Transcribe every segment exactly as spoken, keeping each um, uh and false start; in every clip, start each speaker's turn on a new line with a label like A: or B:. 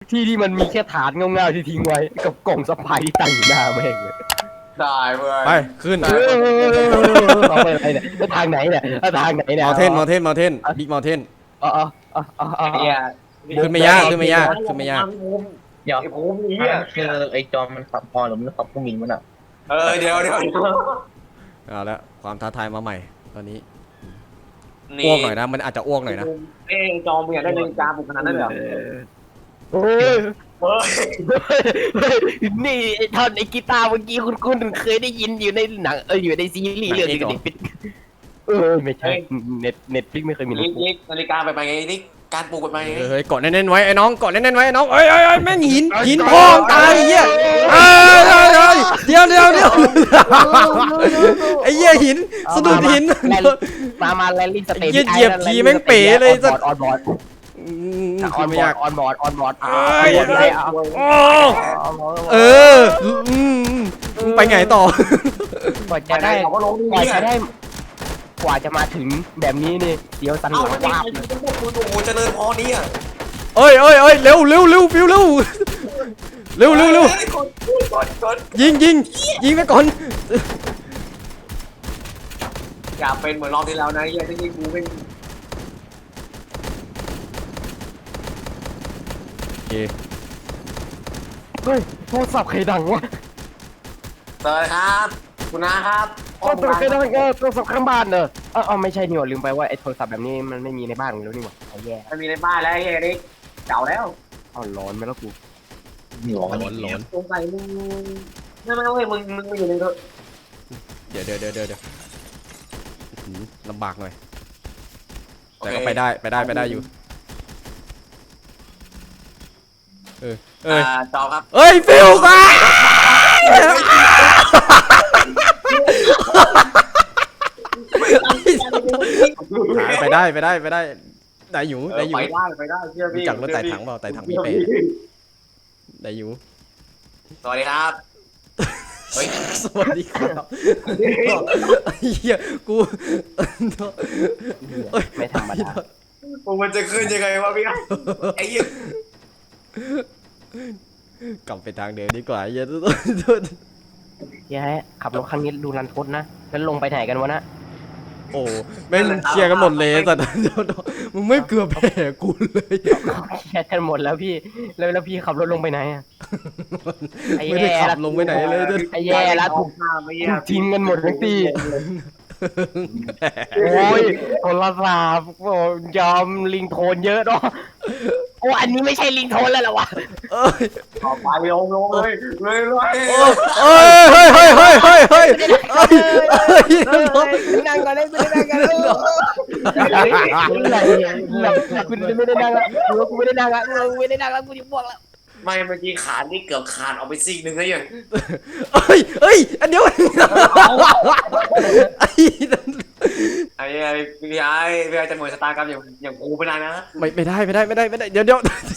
A: ที่ที่มันมีแค่ฐานเงาๆที่ทิ้งไว้กับกล่องสไปที่ตั้งอยู่หน้าแม่งเลย
B: ได้เว้ย
C: ไปขึ้น
A: เออเอาไปอะไรเนี่ยแล้วทางไหนเนี่ยแล้วทางไหนเนี่ย
C: มอเทนมอเทนมอเทนบิ๊กมอเทน
A: อ๋ออ๋ออ๋ออ๋อ
B: ไอ้เหี้ย
C: ขึ้นไม่ยากขึ้นไม่ยากขึ้นไม่ยาก
D: เดี๋ยว
B: ไอ้ภูมิไอ้เหี้ย
D: คือไอ้จอมมันขับพอหรือมันขับผู้หมินมันอ่ะ
B: เออเดี๋ยวเดี๋ยว
C: เอาละความท้าทายมาใหม่ตอนนี้
B: นี่
C: อ้วกหน่อยนะมันอาจจะอ้วกหน่อยนะ
B: เอ้ยจอมมึงอยากได้นาฬิกาบุกขนาดนั้นเหรอ
A: โอ้ย
B: เฮ้ย
A: นี่ไอ้ท่อนไอ้กีตาร์เมื่อกี้คุณคุณเคยได้ยินอยู่ในหนังเอออยู่ในซีรีส์เรื่องนี้ก็ปิดเออไม่ใช่เน็ตเน็ตฟิกไม่เคยมี
B: ลิกลิกนาฬิกาไปไปไงลิกการปลูกไปไปไง
C: เฮ้ยเกาะแน่นๆไว้ไอ้น้องเกาะแน่นๆไว้ไอ้น้องเอ้ยเอ้ยแม่งหินหินพองตายเหี้ยเอ้ยเดี๋ยวเดี๋ยวเดี๋ยวไอ้เหี้ยหินสะดุดหิน
A: มามาแลนดิ้งสเตจออนบอร์ด
C: ขึ้นไม่ยาก
A: ออนบอร์ดออนบอร์ด
C: เอ้ยเออไปไงต่อก
A: ว่าจะได้
B: เขาก็ลง
A: กว่า
B: นี่
A: จะได้กว่าจะมาถึงแบบนี้นี่เดี๋ยวสันห
B: เอ้า
A: ลัง
B: ไม่ได้
A: วาบ
B: คุณโอ้โหเจริญพรนี่อ่ะ
C: เอ้ยเอ้ยเอ้ยเร็วเร็วเร็วฟิวเร็วเร็วเร็วเร็ว
B: กดกดกด
C: ยิงยิงยิงไปก่อน
B: อย่าเป็นเหมือนรอบที่แล้วนะเฮียที่นี่กูไม่
C: โอเค
A: เฮ้ยโทรศัพท์ใครดังวะ
B: เจอครับคุณนะครับ
A: โทรศัพท์ใครดังเออโทรศัพท์ข้างบ้านเนอะเออไม่ใช่นี่หว่าลืมไปว่าไอ้โทรศัพท์แบบนี้มันไม่มีในบ้านแล้วนี่หว่าเอาแย่
B: มันมีในบ้านแล้วเฮียนี่เก่าแล้ว
A: เอาร้อนไหมล่ะกู
D: หลอน
C: หลอนหลอน
B: สงสัยมึงไม่ไม่ไม่มึงมึงอยู่ในเถอะ
C: เดี๋ยวเดี๋ยวเดี๋ยวเดี๋ยวลำบากหน่อยแต่ก็ไปได้ไปได้ไปได้อยู่เออเออ
B: จอครับ
C: เอ้ยฟิวกันไปได้ไปได้ไปได้ได้อยู่ได้อยู่
B: ไปได้ไปได้เชื่อพี่
C: รู้จักรถไต่ถังเปล่าไต่ถังพี่เป้ได้อยู่
B: สวัสดีครับเฮ้ย
C: สวัสดีครับเฮียกู
A: ไม่ธรรมดา
B: มันจะขึ้นยังไงวะพี่ไอ้ยี่
C: กลับไปทางเดิมดีกว่าเฮีย
A: แย่ขับรถครั้งนี้ดูรันทดนะแล้วลงไปไหนกันวะนะ
C: โอ้แม่งเคลียร์กันหมดเลยแต่มึงไม่เกือบแพ้กูเลย
A: แค่กันหมดแล้วพี่แล้วแล้วพี่ขับรถลงไปไหนอ่ะ
C: ไม่ได้ขับลงไปไหนเลย
A: ไอ้แย่แล้วถูก
B: ข้ามไม่
A: ถูกทิ้งกันหมดทั้งตีโอ้ยโทรศัพท์โอ้ยอมลิงโทนเยอะเนาะโอ้อันนี้ไม่ใช่ลิงโทนแล้วเหรอวะ
C: เอ้ย
B: ต่อไปลงลงเลยเลยเลย
C: เอ้ยเฮ้ยเฮ้ยเฮ้ยเฮ้ยเฮ้ยเฮ้ย
A: นั่งก่อนเลยไม่ได้นั่งกันคุณไม่ได้นั่งแล้วกูไม่ได้นั่งแล้วกูไม่ได้นั่งแล้วกูจะบวกแล้ว
B: ไม่เมื่อกี้ขานี่เกือบขาดออกไปซีกหนึ่งแล้วยัง
C: เฮ้ยเฮ้ยอันเดียวไอ้
B: ไอ้ไอ้พี่ไอ้พี่ไอ้จะเหมือนสตาร์กรรมอย่างอย่างกูไปนานนะ
C: ไม่ไม่ได้ไม่ได้ไม่ได้ไม่ได้เดี๋ยวเดี๋ยว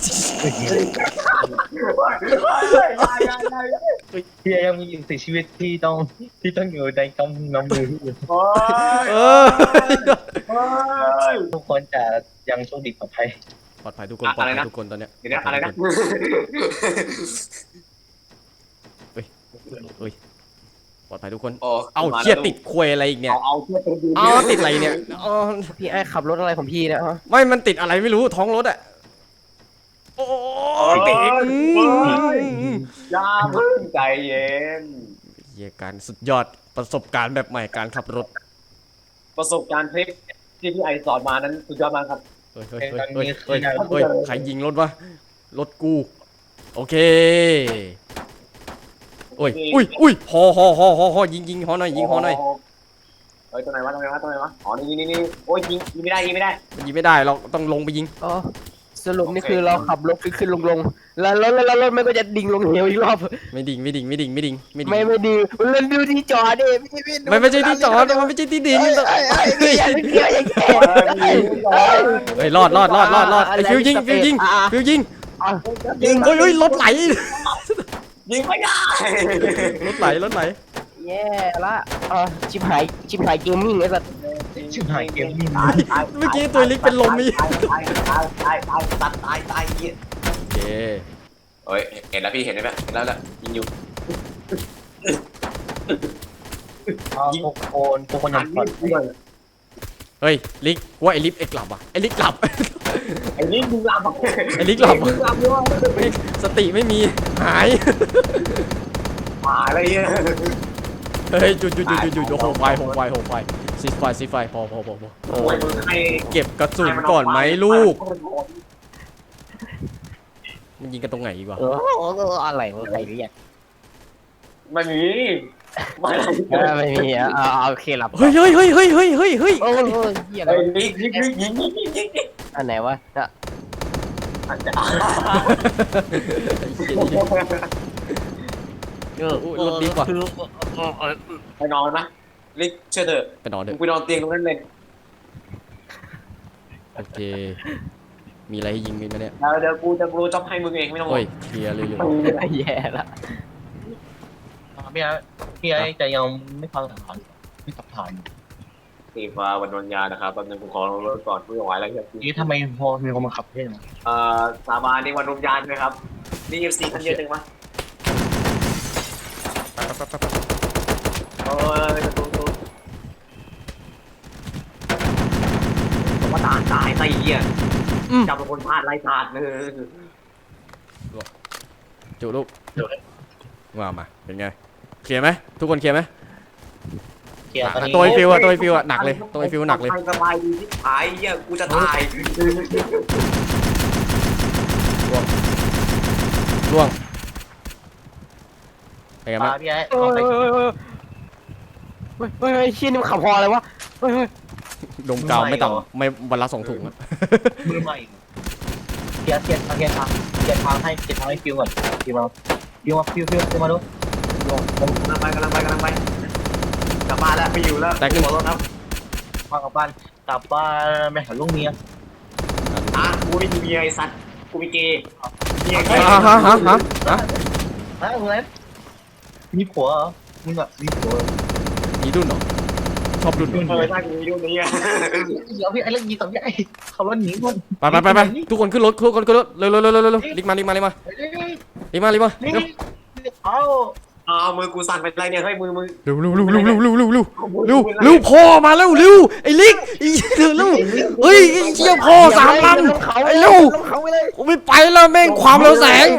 D: ที่ยังมีสิ่งชีวิตที่ต้องที่ต้องอยู่ในกำน้ำมือ
B: โอ้ย
C: เออ
D: ทุกคนจะยังโชคดีปลอดภัย
C: ปลอดภัยทุกคนปลอดภัยทุกคนตอนเนี้ย
B: เดี๋ยวนะอะไรนะ
C: เฮ้ยเฮ้ยปลอดภัยทุกคน
B: โอ้
C: เอาเชี่ยติดควยอะไรอีกเนี่ย
B: เอาเอาเชือกตัวดู
C: เอาติดอะไรเนี่ยอ๋อ
A: พี่ไอ้ขับรถอะไรของพี่นะ
C: ไม่มันติดอะไรไม่รู้ท้องรถอะโอ้ยติดอืม
B: อย่าเพิ่งใจเย็น
C: เยี่ยการสุดยอดประสบการณ์แบบใหม่การขับรถ
B: ประสบการณ์เทคที่พี่ไอสอนมานั้นสุดยอดมากครับ
C: เฮ้ยเฮ้ยเฮ้ยเฮ้ยเฮ้ยเฮ้ยใครยิงรถวะรถกูโอเคโอ้ยอุ้ยอุ้ยฮอฮอฮอฮอฮอยิงยิงฮอหน่อยยิงฮอหน่อย
B: เฮ้ยตัวไหนวะตัวไหนวะตัวไหนวะอ๋อนี่นี่นี่โอ้ยยิงยิงไม่ได้ยิงไม่ได้
C: มันยิงไม่ได้เราต้องลงไปยิง
A: อ๋อสรุปนี่คือเราขับรถขึ้นขึ้นลงลงแล้วแล้วแล้วรถมันก็จะดิ่งลงเหวอีกรอบ
C: ไม่ดิ่งไม่ดิ่งไม่ดิ่งไม่ดิ่งไม่ดิ่ง
A: ไม่ไม่ดีมันดูที่จอดิไม่ใช่
C: ไม่ไม่ใช่ที่จอดมันไม่ใช่ที่ดิ่ง
A: ไอ้ไอ้ไอ้อย่าเกี่ยวอย่าเกี่ยว
C: เฮ้ยรอดรอดรอดรอดรอดไอ้ฟิวยิงฟิวยิงฟิวยิงยิงโอ้ยโอ้ยรถไหล
B: ยิงไม่ได้
C: รถไหลรถไหล
A: แย่ละอ่ะชิบหายชิบหายเกมมิ่งไอ้สัส
D: ชิบหายเกมนี่
C: เมื่อกี้ตัวลิกเป็นลมมี
B: ตายตายตายตายตายตายตายเหี้ย
C: โอเค
B: เฮ้ยเห็นแล้วพี่เห็นไหมเห็นแล้วแหละยิงอยู่
D: ยิงโคนโคนยังผ่อน
C: เฮ้ยลิกว่าไอ้ลิฟเอ็กหลับอ่ะไอ้ลิกหลับ
B: ไอ้นี่มึงลำ
C: ไอ้ลิกหลับ
B: มึงลำด้วย
C: ไม่สติไม่มีหาย
B: หมาอะไรเงี้ย
C: เฮ้ยหยุดหยุดหยุดหยุดหยุดโหไฟโหไฟโหไฟซีไฟซีไฟพอพอพอพอ
B: โอ้ยมึงให้
C: เก็บกระสุนก่อนไหมลูกมันยิงกันตรงไหนอีกวะ
A: เอออะไรวะใครเรียก
B: ไม่มีไม่
A: เออไม่มีอ่ะเอาเอาโอเคหลับ
C: เฮ้ยเฮ้ยเฮ้ยเฮ้ยเฮ้ยเฮ้ยเฮ้ย
A: โอ้ยเฮียอะไร
B: ไอ้
A: วะ
B: ยิงยิงยิงยิงยิงยิงยิง
A: อันไหนวะจะ เออ
C: อุ๊ยรถดีกว่า
B: ไปนอนนะลิกเชื่อเถอะ
C: ไปนอนเถ
B: มึง
C: อะ
B: ไปนอนเตียงตรงนั้นเลย
C: โอเคมีอะไรให้ยิงมีไหมเนี่ย
B: เดี๋ยวเดี๋ยวกูจะรู้จ็อบให้มึงเองไม่ต้องห่ว
C: โอ้ย
B: ง
C: เคลียร์เลยเลย
A: แย่ละ
D: พี่ไอ้พี่ไอ้จะยังไม่ฟังถามไม่ตับถ่าย
B: สีฟ้าวันนนยานะครับแป๊บนึงกูขอรถก่อนกูไม่ไหวแล้วครับ
D: นี่ทำไมพอมีคนมาขับเท่ไหม
B: เอ่อสาบานในวันนนยานนะครับนี่เอฟซีท่านเยอะจังวะเออจะตูตูผมว่าตาตายไตเหี้ยจับเป็นคนพลาดไล่ตาดเลย
C: จุลูกว่ามาเป็นไงเคลียร์ไหมทุกคนเคลียร์ไหม
D: เกียร์ตอนนี้
C: ตัวไอฟิวอะตัวไอฟิวอะหนักเลยตัวไอฟิวหนักเลย
B: สบายดีที่หายเหี้ยกูจะตาย
C: ร่วงเป็นไงบ้าง
D: พี่ไอ้
A: เฮ้ยเฮ้ยเฮ้ยเฮ้ยเฮ้ยเชี่ยนี่มันขับพออะไรวะเฮ้ยเฮ้ย
C: ดมกาวไม่ต่ำไม่วันละสองถุงอะ
D: มือใหม่เกียร์เกียร์เกียร์ทางเกียร์ทางให้เกียร์ทางให้ฟิวก่อนฟิวมาฟิวมาฟิวฟิวฟิวมาดู
B: กำลังไปกำลังไปกำลังไปกลับบ้านแล้วไม่อยู่แล้วหัวรถครับ
D: มากลับบ้านกลับบ้านไปหาลูกเมีย
B: อ่ะกูไม่มีเมียไอ้สัตว์กูมีเกย์เมีย
C: ฮะฮะฮะฮะฮะ
D: ฮะอะไรมีผัวเหรอมึงอะมีผัว
C: มีดุนเหรอชอบดุนเหรอ
B: เออใช่กูมีรุ่นนี้อ่ะ
D: เดี๋ยวพี่ไอ้เรื่องยีกับพี่ไอ้เขารถหนีคน
C: ไปไปไปไปทุกคนขึ้นรถทุกคนขึ้นรถเร็วเร็วเร็วเร็วเร็วรีบมารีบมารีบมารีบมารีบมา
D: นี่
C: เร็ว
D: เอา
B: อ้าวมือกูสั่นไปไรเนี่ยเฮ้ยมือมือ
C: เร็วเร็วเร็วเร็วเร็วเร็วเร็วเร็วเร็วเร็วเร็วพ่อมาแล้วเร็วไอ้ลิกไอ้เร็วเร็วเฮ้ยไอ้เชี่ยพ่อสามลำไอ้เร็ว
A: เขาไปเลย
C: กูไม่ไปแล้วแม่งความเร็วแสง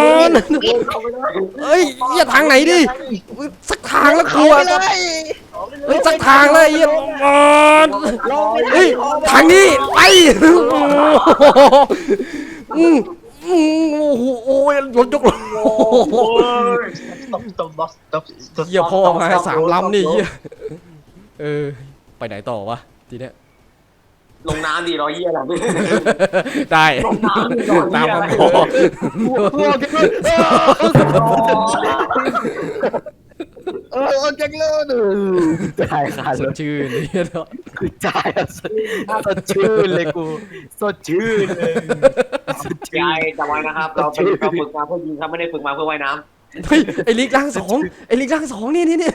C: เฮ้ยเหี้ยทางไหนดิสักทางแล้วกลัวเฮ้ยสักทางเลยไอ้เหี้ยเฮ้ยทางนี้ไปอืมอืมโอ้โหโอ้ยรถยกรถ
D: ตบตบบ็อกตบตบ
C: เหี้ยพ่อมาสามลำนี่เหี้ยเออไปไหนต่อวะทีเนี้ย
B: ลงน้ำดีรอยเหี้ยอะไร
C: ได้
B: ลงน้ำดีรอย
C: ตา
B: เหี้
C: ม
B: ย
C: คำขอ
A: เออเอาจังเลยจ่ายขาด
C: ส
A: เล
C: ด
A: ย
C: ชื่นนี่เนาะ
A: คือจ่ายสดชื่นเลยกูสดชื่นเลยสดชื่
B: ยาย
A: น
B: จำไว้นะครับ เราเป็นเราฝึกมาเพื่อยิงครับไม่ได้ฝึกมาเพื่อว่ายน้
C: เฮ้ยไอ้ลิกร่างสองไอ้ลิกร่างสองนี่นี่นี่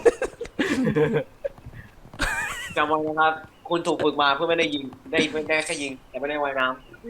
B: ำจำไว้นะครับ คุณถูกฝึกมาเพื่อไม่ได้ยิงได้ได้แค่ยิงแต่ไม่ได้ว่ายน้ำ